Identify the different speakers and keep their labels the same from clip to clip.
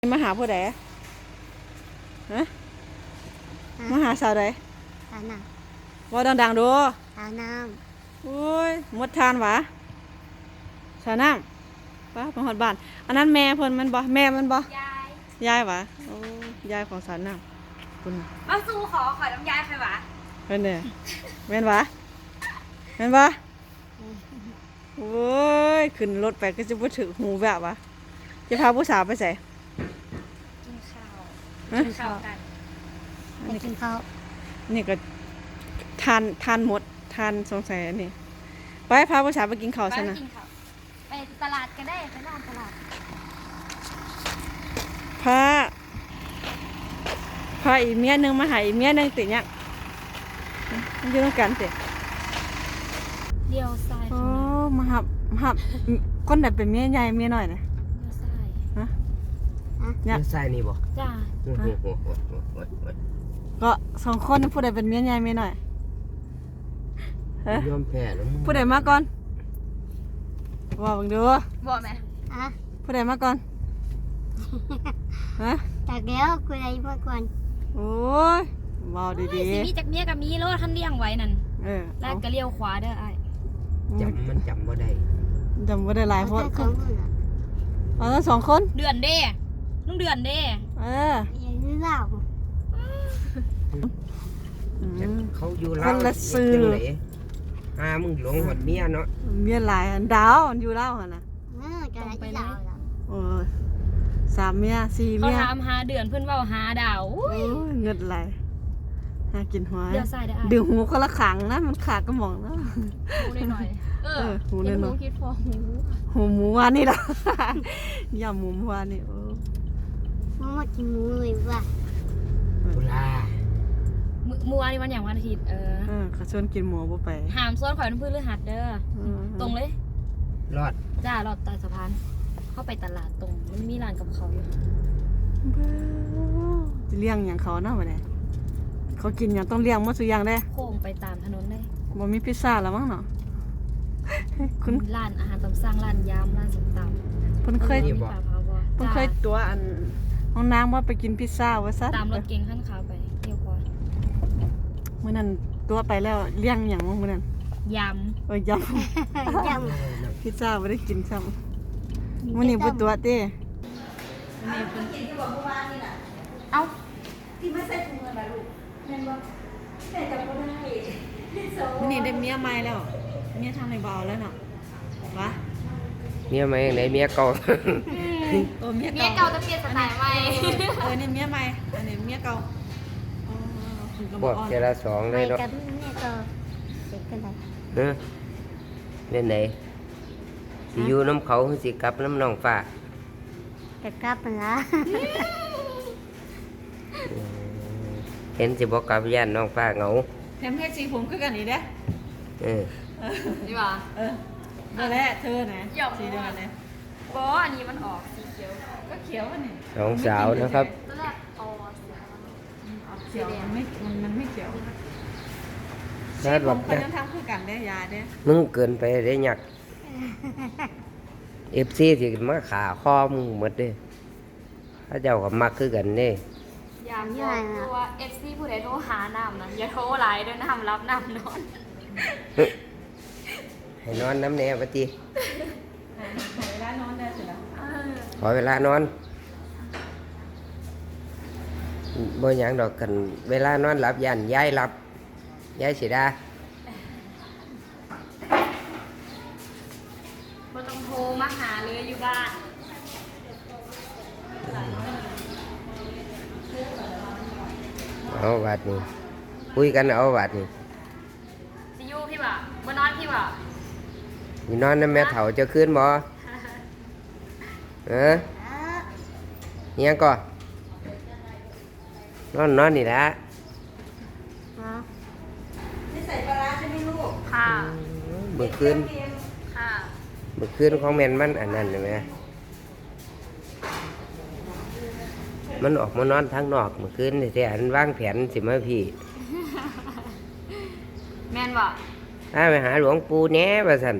Speaker 1: มาหาผู้ใดฮะมาหาสาวใด
Speaker 2: หาน้
Speaker 1: ว่าดังๆดู
Speaker 2: ำหาน้
Speaker 1: โอ้ยหมดทานหวะสาวน้ำป้าของหอดบ้านอันนั้นแม่เพิ่นมันบ่แม่มันบ่ยายหวะโอ้ยายของสาวน้ำคุณ
Speaker 3: มาสู้ขอน้ำยายใครวะ
Speaker 1: เพิ่นเนี่ยแม่นหวะแม่นบ่โอ้ยขึ้นรถไปก็จะบ่ถึงหูแบบวะจะพาผู้สาวไปใส่
Speaker 3: กินข้าวกัน
Speaker 2: ไปกินข้าว
Speaker 1: นี่ก็ทานหมดทานสงสัยอันนี้ไปพาผู้สาวไปกินข้าวซะนะ
Speaker 3: ไปตลาดก็ได้ไปร้านตลาด
Speaker 1: พาอีกเมียนึงมาหาอีกเมียนึงติเนี่ยมันอยู่ด้วยกันติ
Speaker 3: เดียวซ้าย
Speaker 1: โอ้มาหับคนไหนเป็นเมียใหญ่เมียน้อยนะ
Speaker 3: เดียวซ้าย
Speaker 1: ฮะ
Speaker 4: เนี่ยใส่นี่บ่
Speaker 3: จ้า
Speaker 1: ก็สองคนผู้ใดเป็นเมียใหญ่เมียน้อย
Speaker 4: ยอมแพ้แล้ว
Speaker 1: ผู้ใดมาก่อนว่าบังดู
Speaker 3: บอกไหม
Speaker 1: ผู้ใดมาก่อนฮะ
Speaker 2: จากแล้วคุยอะไรมาก่อน
Speaker 1: โอ้ยเบาดี
Speaker 3: ๆสิมีจากเมียกับมีรถท่านเลี้ยงไว้นั่นแล้วก็เลี้ยวขวาเด้อไอ้
Speaker 4: มันจำบ่ได้
Speaker 1: หลายคนเอาทั้งสองคน
Speaker 3: เดือนเด้ลุงเดือนเด้
Speaker 2: ยังไม่เล่า
Speaker 4: เขาอยู่เล่าคนละซื้อมึงหลงหดเมียเนาะ
Speaker 1: เมียหลายดาวอยู่เล่าหั่นน่ะ
Speaker 2: จะไปเล่า
Speaker 1: โอ้ย3เมีย4เมี
Speaker 3: ยเขาถามหาเดือนเพิ่นเว้าหาดาว
Speaker 1: เงินไหลหากินหัว
Speaker 3: เดี๋ยวใส่ได้
Speaker 1: ดึงหูคนละขังนะมันขาดกระหม่อมนะ
Speaker 3: หูหน่อย
Speaker 1: หูหน่อย
Speaker 3: คิดพอ
Speaker 1: หูหมูวานนี่ล่ะย่าหมูวานนี่
Speaker 2: มากินหมูเลยว่ะ
Speaker 4: บุลา
Speaker 3: มื้อวานนี้วันอย่างวันอาทิตย์
Speaker 1: เขาชวนกินหมูบ่ไป
Speaker 3: ห้ามส่วนข่อยน้ำพึ่งหรือหัดเด้อตรงเลย
Speaker 4: รอด
Speaker 3: จ้ารอดใต้สะพานเข้าไปตลาดตรงมันมีร้านกับเขาอยู่
Speaker 1: จะเลี้ยงอย่างเขาเนาะวะเนี่ยเขากินอย่างต้องเลี้ยงหมดทุกอย่างได้
Speaker 3: โค้งไปตามถนนได้
Speaker 1: บ่มีพิซซ่าแล้วมั้งเนาะ
Speaker 3: คุณร้านอาหารตามสั่งร้านยำร้านส้มตำ
Speaker 1: เพิ่นเคยตัวอันห้องน้ำว่าไปกินพิซซ่าว่าซะ
Speaker 3: ตามรถเก๋งขั้นขาวไปเที่ยวก่อน
Speaker 1: มื้อนั้นตัวไปแล้วเลี้ยงอย่างมื้อนั้น
Speaker 3: ยำ
Speaker 1: ยำพิซซ่าบ่ได้กินซ้ำมื้อนี้บ่ตัวเต้
Speaker 3: เอ้า
Speaker 1: ที่ไม่ใส่ถุงเงินล่ะลูกแม่นบ่แต่จำบ่ได้มื้อนี้ได้เมียใหม่แล้วเมียทางในเบาแล้วเนาะวะ
Speaker 4: เมียใหม่ไหนเมียเก่า
Speaker 3: เมียเก่าจะเปลี่ยนสไตล์ใหม่
Speaker 1: นี่เมียใหม่อันนี้เมียเก่า
Speaker 4: บอกเจละ2เลยเนาะ
Speaker 2: กับแม่ก็เด็กกันไหน
Speaker 4: เป็นไหนสิอยู่น้ำเขาสิกลับน้ำน้องฟ้า
Speaker 2: จะกลับมันละ
Speaker 4: เห็นสิบอกกลับย่านน้องฟ้าเหงา
Speaker 1: แถมเพชรสีผมคือกันอีกเด้
Speaker 3: นี่ป่ะ
Speaker 1: นั่นแหละเธอนะสีเดียวกันเลย
Speaker 3: อันนี้มันออกสีเขียว
Speaker 1: ก็เขียวนี่
Speaker 4: น้องสาวนะครับ
Speaker 3: ตอนแรก
Speaker 1: เขียวมันไม่เขียว
Speaker 4: สีผม
Speaker 1: คนยังทำคือกันได้ยาเด้
Speaker 4: มึงเกินไปได้หยักFC ที่มาขาคอมึงหมดเด้ถ้าเจ้าก็มักคือกันนี่
Speaker 3: อยากตัว FC ผู้ใดโทรหาน้ำนะอย่าโทรหลายด้วยน้ำรับน้ำนอน
Speaker 4: ให้นอนน้ำแน่ปะจี
Speaker 1: ขอเวลานอนได้สิล่ะ
Speaker 4: ขอเวลานอนบ่หยังดอกกันเวลานอนหลับยันย้ายหลับย้ายสิดา
Speaker 3: บ่ต้องโทรมาหาเลยอยู่บ้าน
Speaker 4: เอาวัดนี่คุยกันเอาวัดนี่
Speaker 3: สิอยู่พี่บ่บ่นอนพี่บ่
Speaker 4: นี่นอนน้ำแม่เฒ่าจะขึ้นบ่ยังก่อนนอนนี่ละ
Speaker 1: นี่ใส่ปลาใช่ไหมลูก
Speaker 3: ค่ะ
Speaker 4: เมื่อคืน
Speaker 3: ค่ะ
Speaker 4: เมื่อคืนของแม่นมันอันนั้นใช่ไหมมันออกมานอนทางนอกเมื่อคืนแต่อันวางแผนสิมาพี่
Speaker 3: แม่นบ่
Speaker 4: ไปหาหลวงปู่แหน่ว่าซั่น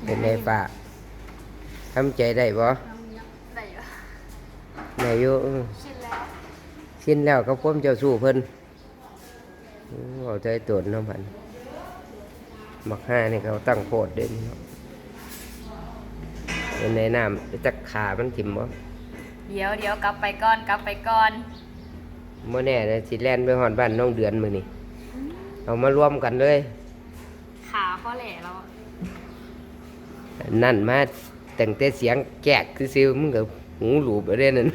Speaker 4: เป็นไงป้าทำใจได้บ่
Speaker 3: ได้อยู่
Speaker 4: ได้อยู่
Speaker 3: ชินแล้ว
Speaker 4: สิ้นแล้วก็พ้มเจ้าสู้เพิ่นเอาใจตนเนาะพันมักห้านี่เขาตั้งโพดเด่นเนาะเป็นในน้ำจักขามันถิ่มบ่
Speaker 3: เดี๋ยวกลับไปก่อน
Speaker 4: เมื่อแน่นะสิแล่นไปหอดบ้านน้องเดือนมือนี่เอามารวมกันเลย
Speaker 3: ขาข้อแหล่แล้วอะ
Speaker 4: นั่นมาแต่งแต่เสียงแกกคือซิวมึงกับหูหลูบอะไรนั่น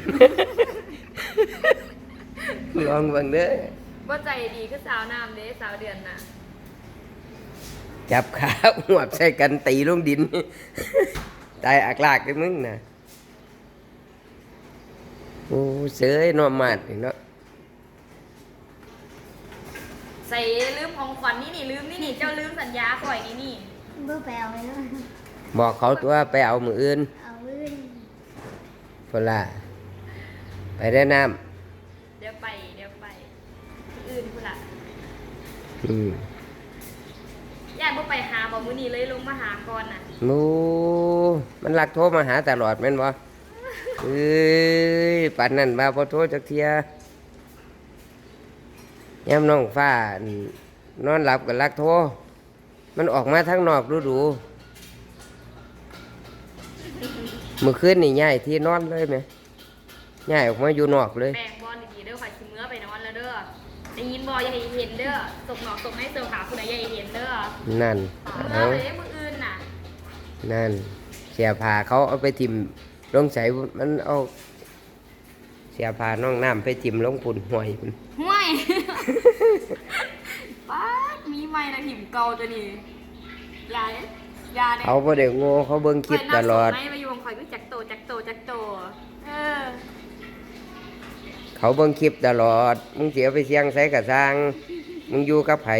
Speaker 4: ลองเบังเด้อ
Speaker 3: ว่าใจดีคือสาวน้ำเด้สาวเดือนน่ะ
Speaker 4: จับขาหวบใส่กันตีลงดิน ตายอักลากเลยมึงน่ะโอ้เสยนอมมาดนี่เนาะ
Speaker 3: ใส่ลืมของขวัญนี่ลืมนี่เจ้าลืมสัญญาข่อยนี่
Speaker 2: เบื่อไปเอาเลยเนาะ
Speaker 4: บอกเขาตัวไปเอามืออื่น
Speaker 2: เอาเว้ย
Speaker 4: พนล่ะไปได้น้
Speaker 3: เดี๋ยวไปอื่นพุ่นล่ะ
Speaker 4: ำ
Speaker 3: ญาติบ่ไปหาบ่มื้อนี้เลยลงมาหาก่อนน่ะ
Speaker 4: มูมันรักโทรมาหาตลอดแม่นบ่เอ้ยปันนั่นมาพอโทรจักเทียย่ำน้องฟ้านอนหลับกับรักโทรมันออกมาทั้งนอกดูเมื่อคืนนี่ย้ายที่นอนเลยไหมย้ายออกมาอยู่นอกเลย
Speaker 3: แบ่งบอลดีๆเด้อข่อยสิมื้อไปนอนแล้วเด้อได้ยินบ่อย่าให้เห็นเด้อตกหนอกตกให้เสิร์ฟหาผู้ใดอย่าให้เห็นเด้อ
Speaker 4: นั่น
Speaker 3: มื้
Speaker 4: เอา
Speaker 3: อไปมื้ออื่นน่ะ
Speaker 4: นั่นเสียผ้าเขาเอาไปทิมลงใส่มันเอาเสียผ้าน้องน้ำไปทิมลงปุ่นห่วยพุ่น
Speaker 3: ห่วย ป๊าดมีไม้นะหิมเก่าตัวนี้ยาเด้
Speaker 4: เขาบ่ได้โง่เขาเบิ่งคลิปตลอด
Speaker 3: ไม่มาอยู่ของข่อยคือจักโตเออ
Speaker 4: เขาเบิ่งคลิปตลอด มึงเสียไปเสียงใส่กระซังมึงอยู่กับไผ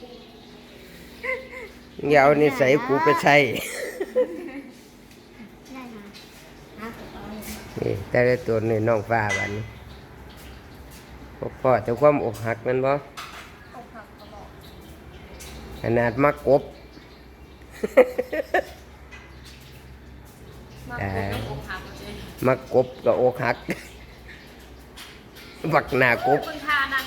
Speaker 4: มึงอย่าเอานิสัยกูไปใช้
Speaker 2: ได้มาหาเอาเลย
Speaker 4: นี่แต่ละตัวนี่น้องฟ้าบัดนี้พ่อแต่ความอกหักมันบ่ขนาดมักกบ
Speaker 3: มาคุยกับอกหักเลย
Speaker 4: มักกบกับอกหัก บักหน้ากบ
Speaker 3: คุณทานัง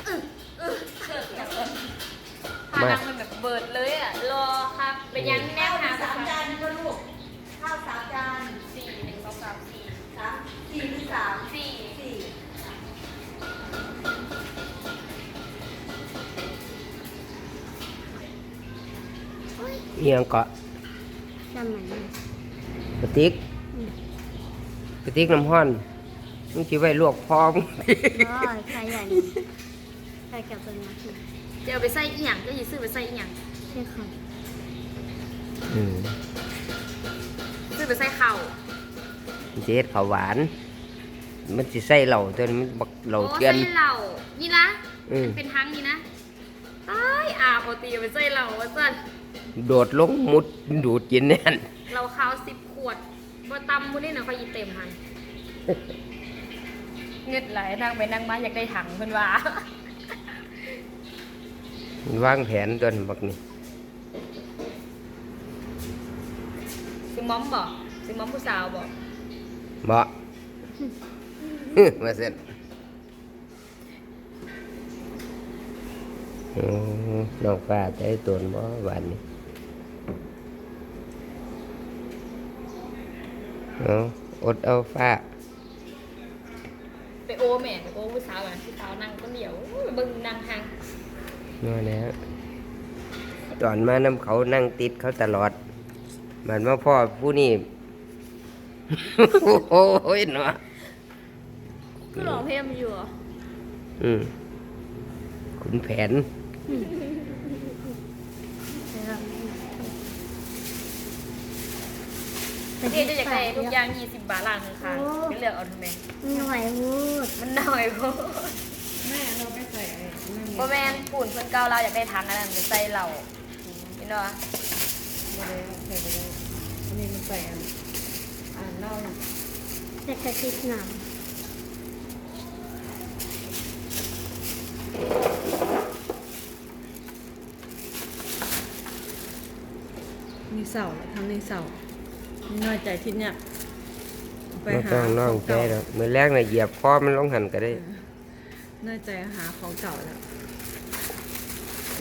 Speaker 3: ทานังมันแบบเบิดเลยอ่ะ รอครับเป็นยังแนวหา3 จานก็ลูกข้าว3 จาน4 1 2 3 4 3 4หรือ3 4
Speaker 4: เอียงเกาะ
Speaker 2: สมัยนั้น
Speaker 4: กระติกกระติกน้ำห้อนมึงสิไว้ลวกพร้อม
Speaker 2: โอ้ยใครอย่างใครกับเป็นมาที่
Speaker 3: เดี๋ยวไปใส่อีหยังจะหยิบซื้อไปใส่อีหยัง
Speaker 2: เชื่อใคร
Speaker 4: อืม
Speaker 3: ซื้อไปใส่ข้าว
Speaker 4: มันสิเฮ็ดข้าวหวาน มันสิใส่เหล้าตัวนี้มันบักเหล้า
Speaker 3: โอ้
Speaker 4: เกลือน
Speaker 3: ใส่เหล้านี่นะ
Speaker 4: อืม
Speaker 3: เป็นทั้งนี่นะตายอาปกติไปใส่เหล้าว่าสั่น
Speaker 4: โดดลงมุดดูดกินแน่น
Speaker 3: เราข้าว10 ขวดบ่ตำมื้อนี้น่ะเขาอีเต็มหันเงึดไหลนั่งไปนั่งมาอยากได้ถังเพิ่นว่า
Speaker 4: มันวางแผนตัวนี้บักนี่
Speaker 3: ซื้อม้อมบ่ซื้อม้อมผู้สาวบ่
Speaker 4: บ่ มาเสร็จโอ้น้องฟ้าใจตนบ่หวานนี่เอาอดเอาฟ้า
Speaker 3: ไปโอแม่ไปโอผู้สาวอ่ะผู้สาวนั่งก็เดียวโอ้ยเบิ่งนั่งห่าง
Speaker 4: นั่นแหละตอนมานำเขานั่งติดเขาตลอดมันมาพ่อผู้นี่ โอ้ยเนาะ
Speaker 3: คือร้องเพลงอยู่เหรอ
Speaker 4: อืมขุนแผน
Speaker 3: เดี๋ยวจะอยากได้ทุกอย่าง20 บาทล้านนึงค่ะไม่เลือกเอาทำไม
Speaker 2: หน่วยวูด
Speaker 3: มันน้อยโพด
Speaker 1: แม่เราไม่ใส่ไอ้นั่น
Speaker 3: บ่แม่นปุ่นเพิ่นเก่าเราอยากได้ถังอันนั้นไปใส่เหล้าเห็นบ่
Speaker 1: ไม่ได้ใส่ไปเลยอันนี้มันใส่อันเหล้าน่ะ
Speaker 2: แต่กระติกหนาม
Speaker 1: นี่เสาแล้วทำนี่เสานี่น้อยใจทิศเนี่ยไป
Speaker 4: บ่
Speaker 1: หา
Speaker 4: ต้องน้อง
Speaker 1: ของ
Speaker 4: ใจ
Speaker 1: เก่า
Speaker 4: ดอกมื้อแรกน่ะเหยียบคอมันลงหันก็ได้
Speaker 1: น้อยใจหาของเก่าแล้ว